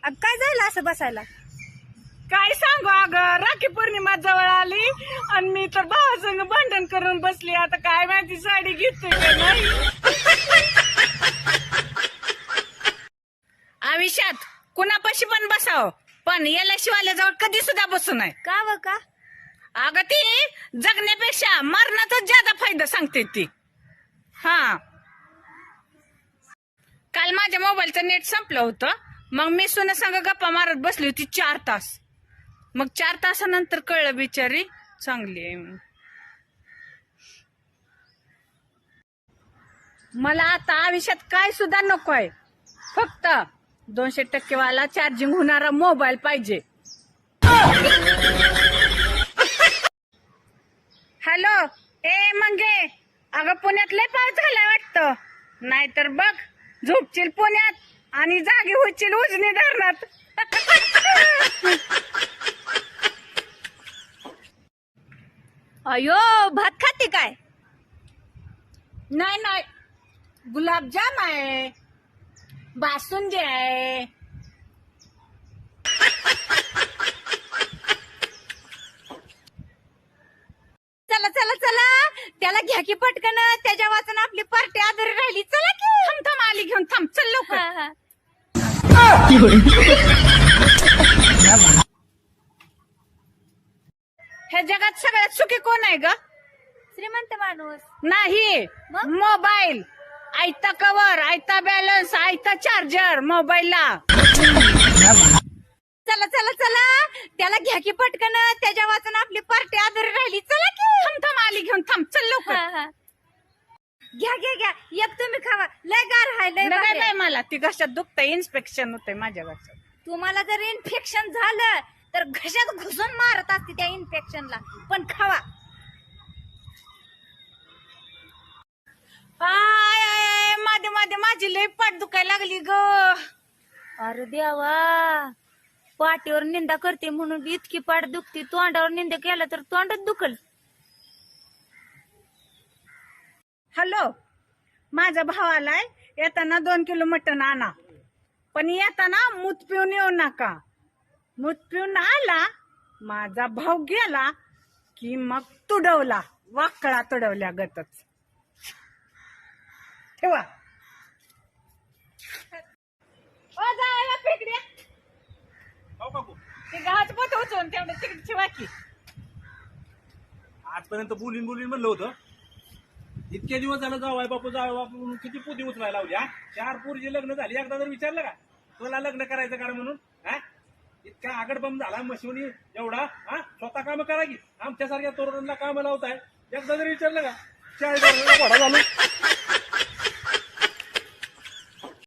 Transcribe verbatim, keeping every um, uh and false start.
काय झालं असं बसायला? काय सांगू अगं, राखी पौर्णिमा जवळ आली आणि मी तर भावासंग भांडण करून बसली. आता काय माहिती साडी घेतोय का नाही. आयुष्यात कुणापाशी पण बसाव, पण याला शिवाल्याजवळ कधी सुद्धा बसू नये. का व का? अगं ती जगण्यापेक्षा मरणातच ज्यादा फायदा सांगते ती. हा, काल माझ्या मोबाईलचं नेट संपलं होतं, मग मी सुना संग गप्पा मारत बसली होती चार तास. मग चार तासानंतर कळलं बिचारी चांगली आहे. मला आता आयुष्यात काय सुद्धा नकोय, फक्त दोनशे टक्के वाला चार्जिंग होणारा मोबाईल पाहिजे. हॅलो, ए मंगे, अगं पुण्यात लय पाऊस झालाय वाटतं. नाहीतर बघ, झोपशील पुण्यात आणि जागी होशील उजनी धरणात. अयो, भात खाते काय? नाही नाही, गुलाबजाम आहे, बासुंदी आहे. चला चला चला, त्याला घ्या की पटकन, त्याच्या वाचून आपली पार्टी आधारी राहिली. चला की. थांब थांब, आली घेऊन, थांब, चल लवकर. हा, हा. ह्या जगात सगळ्यात सुखी कोण आहे ग? श्रीमंत माणूस नाही, मग? मोबाईल. आयता कवर, आयता बॅलन्स, आयता चार्जर मोबाईलला. चला चला चला, त्याला घ्या की पटकन, त्याच्या वाचून आपली पार्टी आधारी राहिली. चला की. थांब थांब, आली घेऊन, थांब, चल लवकर. हा, हा. घ्या घ्या घ्या, एक तुम्ही खावा, लय गार हाय, लय नका भारी बाई, आहे. मला ती घशात दुखतंय, इन्स्पेक्शन होतंय माझ्या घशात. तुम्हाला जर इन्फेक्शन झालं तर घशात घुसून मारत असते त्या इन्फेक्शनला, पण खावा. आय आय, मध्ये मध्ये माझी लई पाठ दुखायला लागली ग. अरे देवा, पाठीवर निंदा करते म्हणून इतकी पाठ दुखती, तोंडावर निंदा केला तर तोंडच दुखल. हॅलो, माझा भाव आलाय, येताना दोन किलो मटण आणा, पण येताना मूत पिऊन येऊ नका. मूत पिऊन आला, माझा भाव गेला की मग तुडवला, वाकळा तुडवल्या गतच. ठेवा. ओ जायला फेकड्या, ते गव्हाचं पोत उचलून तेवढं तिकडे ठेवा की. आजपर्यंत बोलीन बोलीन म्हणलं होतं, इतके दिवस झालं जावाय बापू जावाय बापू म्हणून किती पोती उचलायला लावली. हा, चार पोरीचे लग्न झाली, एकदा जर विचारलं का तुला लग्न करायचं का म्हणून? हा, इतका आगडबम झाला मशिवणी एवढा. हा, स्वतः काम करा की, आमच्यासारख्या तरुणांना काम लावताय. एकदा जर विचारलं का चार घोडा झालो.